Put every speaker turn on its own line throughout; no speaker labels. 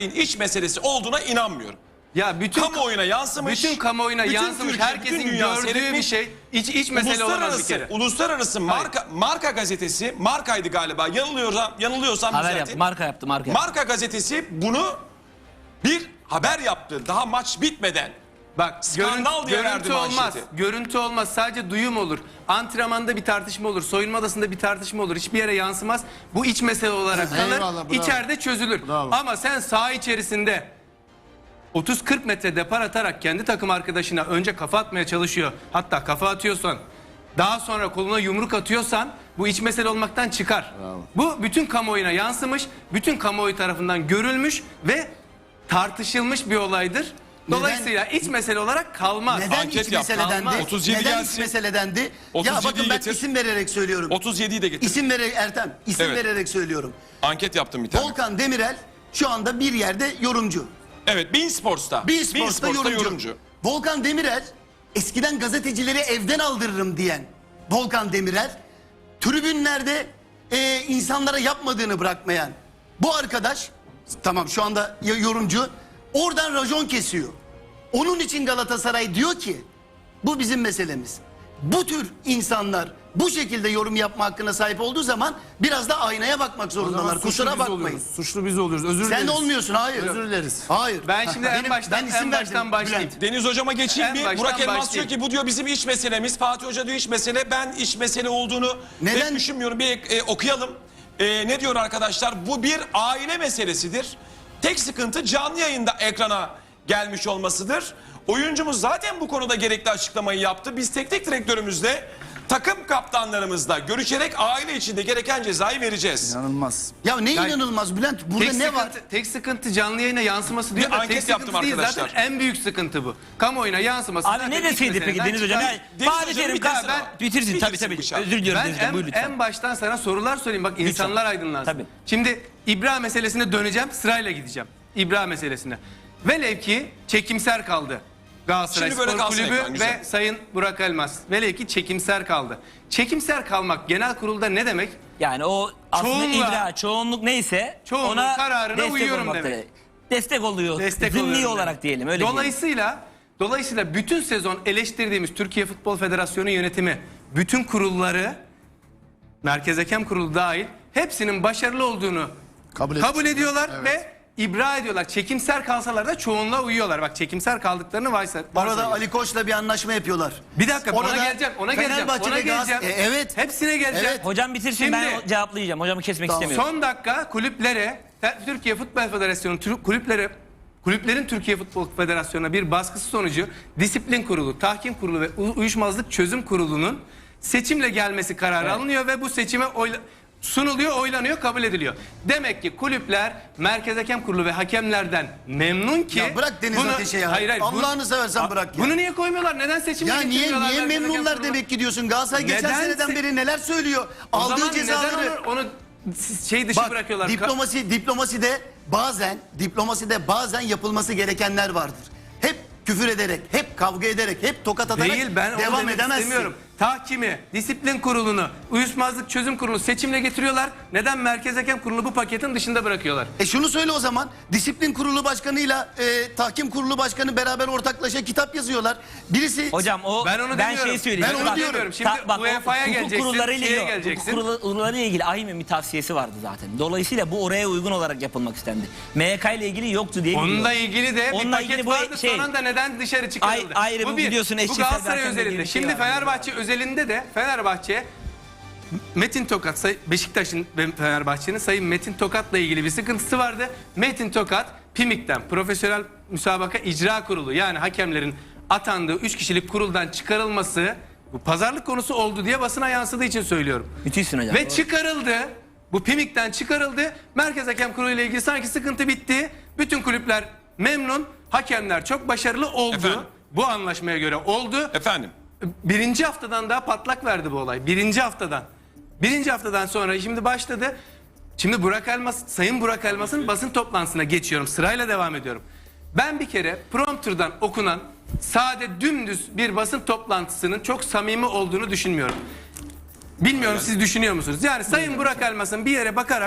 iç meselesi olduğuna inanmıyorum.
Ya bütün
kamuoyuna yansımış.
Bütün kamuoyuna yansımış.
Türkiye,
Herkesin
bütün dünya
gördüğü
seyretmiş.
bir şey. İç mesele olamaz bir kere.
Uluslararası Marka gazetesi, Marka'ydı galiba. Yanılıyorsam
Haber yaptı, marka yaptı.
Marka gazetesi bunu bir haber yaptı. Daha maç bitmeden.
Bak,
skandal diye verdi
görüntü olmaz.
manşeti.
Görüntü olmaz. Sadece duyum olur. Antrenmanda bir tartışma olur. Soyunma odasında bir tartışma olur. Hiçbir yere yansımaz. Bu iç mesele olarak kalır.
Eyvallah, bravo.
İçeride çözülür.
Bravo.
Ama sen saha içerisinde 30-40 metre depar atarak kendi takım arkadaşına önce kafa atmaya çalışıyor. Hatta kafa atıyorsan, daha sonra koluna yumruk atıyorsan bu iç mesele olmaktan çıkar.
Bravo.
Bu bütün kamuoyuna yansımış, bütün kamuoyu tarafından görülmüş ve tartışılmış bir olaydır. Dolayısıyla iç mesele olarak kalmaz.
Neden
Anket
iç
yap,
meseledendi?
kalmaz. 37
Neden
gelsin.
iç meseledendi? Ya
37'yi
bakın ben
getir.
isim vererek söylüyorum.
37'yi de getir.
İsim vererek Ertem, isim
Evet.
vererek söylüyorum.
Anket yaptım bir tane.
Volkan Demirel şu anda bir yerde yorumcu.
Evet, Bein Sports'ta.
Bein Sports'ta yorumcu. Volkan Demirel eskiden gazetecileri evden aldırırım diyen Volkan Demirel tribünlerde insanlara yapmadığını bırakmayan bu arkadaş, tamam şu anda yorumcu, oradan rajon kesiyor. Onun için Galatasaray diyor ki bu bizim meselemiz. Bu tür insanlar bu şekilde yorum yapma hakkına sahip olduğu zaman biraz da aynaya bakmak zorundalar. Kusura bakmayın.
Suçlu biz oluyoruz. Özür dileriz.
Sen olmuyorsun, hayır.
Özür dileriz.
Hayır.
Ben şimdi en baştan başlayayım.
Bülent.
Deniz Hocama geçeyim
En
bir.
baştan
Burak Elmas
başlayayım.
diyor ki bu diyor bizim iç meselemiz. Fatih Hoca diyor iç mesele. Ben iç mesele olduğunu
Neden?
pek düşünmüyorum. Bir okuyalım. Ne diyor arkadaşlar? Bu bir aile meselesidir. Tek sıkıntı canlı yayında ekrana gelmiş olmasıdır. Oyuncumuz zaten bu konuda gerekli açıklamayı yaptı. Biz teknik direktörümüzle, takım kaptanlarımızla görüşerek aile içinde gereken cezayı vereceğiz.
İnanılmaz.
Ya ne inanılmaz Bülent? Burada ne var?
Tek sıkıntı canlı yayına yansıması diyor
Bir
da
anket
tek
yaptım
sıkıntı değil,
arkadaşlar.
zaten en büyük sıkıntı bu. Kamuoyuna yansıması.
Abi
zaten
ne
iç
deseydi peki
meseleden
Deniz Hocam?
çıkar.
Deniz
Fatih
Hocam
Terim
bitirsin
ben
ama.
bitirsin tabii
Bitirsin
tabii.
bu şarkı.
Özür diliyorum
Ben
Deniz Hocam. Buyur lütfen.
en baştan sana sorular sorayım. Bak insanlar aydınlansın.
Tabii.
Şimdi İbra meselesine döneceğim. Sırayla gideceğim. İbra meselesine. Velev ki çekimser kaldı. Galatasaray
Şimdi böyle
Spor
kalsın
Kulübü
ekran, güzel.
ve Sayın Burak Elmas. Velev ki çekimser kaldı. Çekimser kalmak genel kurulda ne demek?
Yani o aslında
Çoğunluğa-
ibra, çoğunluk neyse
Çoğunluğun
ona
kararına
destek
uyuyorum
olmaktır.
demek.
Destek oluyor.
Destek
Zimni
oluyorum
olarak
demek.
diyelim öyle diyelim.
Dolayısıyla bütün sezon eleştirdiğimiz Türkiye Futbol Federasyonu yönetimi, bütün kurulları, Merkez Hakem Kurulu dahil hepsinin başarılı olduğunu kabul ediyorlar ve ibra ediyorlar. Çekimser kalsalar da çoğunluğa uyuyorlar. Bak çekimser kaldıklarını
Orada Ali Koç'la bir anlaşma yapıyorlar.
Bir dakika
Orada
ona geleceğim.
Fenerbahçe
Ona
ve
geleceğim.
evet.
Hepsine geleceğim.
Evet.
Hocam bitirsin
Şimdi-
ben cevaplayacağım. Hocamı kesmek
Tamam.
istemiyorum.
Son dakika kulüplere, Türkiye Futbol Federasyonu kulüplerin Türkiye Futbol Federasyonu'na bir baskısı sonucu Disiplin Kurulu, Tahkim Kurulu ve Uyuşmazlık Çözüm Kurulu'nun seçimle gelmesi kararı alınıyor ve bu seçime sunuluyor, oylanıyor, kabul ediliyor. Demek ki kulüpler Merkez Hakem Kurulu ve hakemlerden memnun ki...
Ya bırak Deniz Ateş'e ya. Allah'ını seversen bırak ya.
Bunu niye koymuyorlar? Neden seçimle
Ya
getirmiyorlar
niye
Merkez Hakem
memnunlar
Kurulu'na?
demek ki diyorsun? Galatasaray geçen
Neden
seneden beri neler söylüyor?
O
Aldığı
zaman
cezaları.
neden onu şey dışı
Bak
bırakıyorlar?
diplomaside bazen yapılması gerekenler vardır. Hep küfür ederek, hep kavga ederek, hep tokat atarak
Değil, ben onu
devam
demek
edemezsin.
istemiyorum. Tahkimi, disiplin kurulunu, uyuşmazlık çözüm kurulu seçimle getiriyorlar. Neden Merkez Hakem Kurulu bu paketin dışında bırakıyorlar?
Şunu söyle o zaman. Disiplin kurulu başkanıyla tahkim kurulu başkanı beraber ortaklaşa kitap yazıyorlar. Birisi
Hocam o
Ben onu demiyorum.
şeyi söyleyeyim.
Ben onu
Bak,
diyorum.
Şimdi UEFA'ya
hukuk
geleceksin,
kurullarıyla
şeye
ilgili,
geleceksin.
hukuk kurullarıyla ilgili AİHM'in bir tavsiyesi vardı zaten. Dolayısıyla bu oraya uygun olarak yapılmak istendi. MHK ile ilgili yoktu diye biliyorum.
Onunla ilgili de
Onunla
bir
ilgili
paket
bu
vardı
şey-
son anda neden dışarı çıkarıldı?
Ayrı bu biliyorsun
Bu
eşcinsel
Galatasaray
zaten
özelinde.
dediği bir şey
Şimdi
var.
Fenerbahçe özelinde de Fenerbahçe Metin Tokat, Beşiktaş'ın ve Fenerbahçe'nin Sayın Metin Tokat'la ilgili bir sıkıntısı vardı. Metin Tokat, PİMİK'ten Profesyonel Müsabaka İcra Kurulu yani hakemlerin atandığı 3 kişilik kuruldan çıkarılması bu pazarlık konusu oldu diye basına yansıdığı için söylüyorum.
Müthişsin hocam.
Ve çıkarıldı. Bu PİMİK'ten çıkarıldı. Merkez Hakem Kurulu ile ilgili sanki sıkıntı bitti. Bütün kulüpler memnun. Hakemler çok başarılı oldu.
Efendim?
Bu anlaşmaya göre oldu.
Efendim.
Birinci haftadan daha patlak verdi bu olay. Birinci haftadan sonra şimdi başladı. Şimdi Sayın Burak Elmas'ın basın toplantısına geçiyorum. Sırayla devam ediyorum. Ben bir kere prompterdan okunan sade dümdüz bir basın toplantısının çok samimi olduğunu düşünmüyorum. Bilmiyorum siz düşünüyor musunuz? Yani Sayın Burak Elmas'ın bir yere bakarak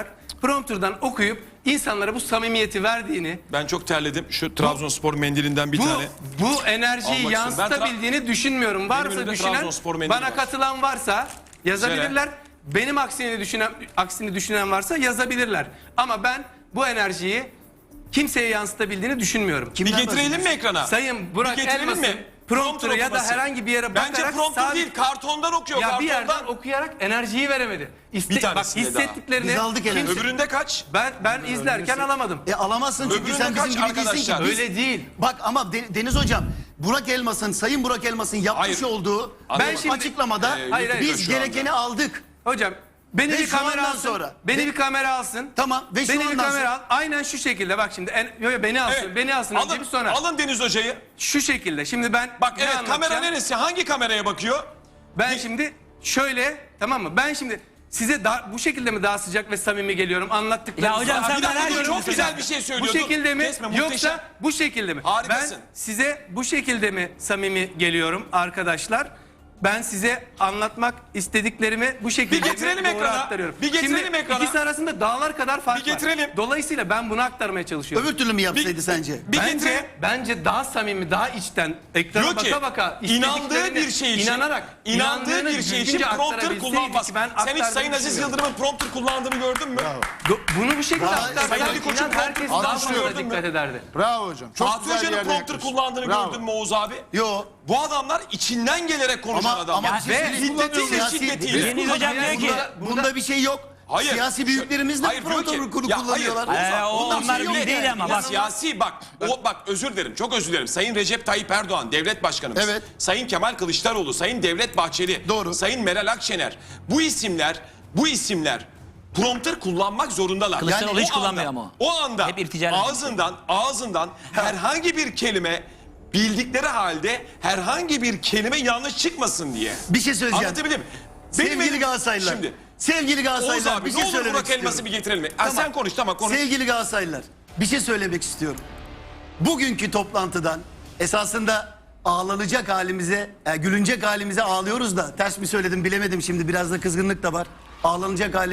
prompterdan okuyup insanlara bu samimiyeti verdiğini,
Ben çok terledim. Şu Trabzonspor mendilinden bir tane.
bu enerjiyi
Almak
yansıtabildiğini düşünmüyorum. Varsa
önümde
düşünen,
Trabzonspor mendili
bana
var.
katılan varsa yazabilirler. Benim aksini düşünen varsa yazabilirler. Ama ben bu enerjiyi kimseye yansıtabildiğini düşünmüyorum.
Bir getirelim mi ekrana?
Sayın Burak
Bir getirelim
Elmas'ın
mi?
prompter'ı ya da
okuması.
herhangi bir yere
Bence
bakarak
prompter
sadece-
değil, kartondan okuyor.
ya bir
kartondan.
yerden okuyarak enerjiyi veremedi.
Bir
Bak
tanesinde daha.
hissettiklerini
Biz aldık enerjiyi.
Öbüründe kaç?
ben izlerken alamadım.
Alamazsın çünkü
Öbüründe
sen
kaç
bizim gibi değilsin ki.
arkadaşlar?
Biz-
Öyle değil.
Bak ama Deniz Hocam, Sayın Burak Elmas'ın yapmış
Hayır.
olduğu
Ben
şimdi-
açıklamada
hayır,
biz
şu anda.
gerekeni aldık.
Hocam beni
Ve
bir
şu
kamera
andan
alsın.
sonra-
Beni bir kamera alsın.
Tamam, ve şu
beni bir
andan
kamera
sonra-
al. Aynen şu şekilde bak şimdi. Beni alsın.
Evet.
Beni alsın önce bir sonra.
Alın Deniz Hoca'yı.
Şu şekilde. Şimdi ben
Bak
ne
evet, kamera
anlatacağım?
neresi? Hangi kameraya bakıyor?
Ben şimdi şöyle, tamam mı? Ben şimdi size bu şekilde mi daha sıcak ve samimi geliyorum anlattıklarınızı?
Ya hocam sen
Bir dakika,
merak
dur,
ediyorum
çok güzel bir şey
Bu
söylüyordun.
şekilde mi
Kesme, muhteşem.
yoksa bu şekilde mi?
Harikasın.
Ben size bu şekilde mi samimi geliyorum arkadaşlar? Ben size anlatmak istediklerimi bu şekilde
Bir getirelim
doğru
ekrana.
aktarıyorum.
Bir getirelim
Şimdi
ekrana.
ikisi arasında dağlar kadar fark
Bir getirelim.
var. Dolayısıyla ben bunu aktarmaya çalışıyorum.
Öbür türlü mü yapsaydı sence?
Bir getirelim.
Bence daha samimi, daha içten, ekrana
Diyor ki
baka baka
inandığı bir şey için, inandığı
inandığını
bir şey için
düzgünce
prompter
aktarabilseydi
kullanmaz.
ki ben
Sen hiç
aktardığımı
Sayın Aziz
düşünmüyorum.
Yıldırım'ın prompter kullandığını gördün mü?
Bunu bu şekilde
Daha-
aktarsak
Sayın Ali Koç'un
inan herkes
prompter
daha
kullandığını
fazla
gördün mü?
dikkat ederdi.
Bravo hocam. Çok
Fatih
güzel bir
Hoca'nın
yerde
prompter
yaklaştın.
kullandığını
Bravo.
gördün mü Oğuz abi?
Yo.
Bu adamlar içinden gelerek konuşan adamlar.
ama
Ve
biz
hiddetiyle
siyasi-
şiddetiyle.
Deniz Hocam diyor ki
Bunda bir şey yok.
Hayır.
Siyasi büyüklerimiz de
Hayır, diyor ki-
prompter
Ya
kullanıyorlar.
hayır,
onlar
şey yok
bir değil
yani.
ama
Ya
bak.
siyasi bak özür dilerim, çok özür dilerim. Sayın Recep Tayyip Erdoğan devlet başkanımız.
Evet.
Sayın Kemal Kılıçdaroğlu, Sayın Devlet Bahçeli,
Doğru.
Sayın Meral Akşener. Bu isimler prompter kullanmak zorundalar.
Kılıçdaroğlu hiç
o anda-
kullanmıyor ama.
O anda
Hep irticayla.
ağzından herhangi bir kelime bildikleri halde herhangi bir kelime yanlış çıkmasın diye.
Bir şey söyleyeceğim.
Anlatabildim mi?
Sevgili Galatasaraylılar.
Şimdi
Sevgili
Oğuz
Galatasaraylılar
abi
bir
ne
şey
olur
söylemek
Burak Elmas'ı
istiyorum.
bir getirelim mi? Sen konuş, tamam konuş.
Sevgili Galatasaraylılar bir şey söylemek istiyorum. Bugünkü toplantıdan esasında ağlanacak halimize, gülünecek halimize ağlıyoruz da ters mi söyledim bilemedim şimdi, biraz da kızgınlık da var. Ağlanacak halimize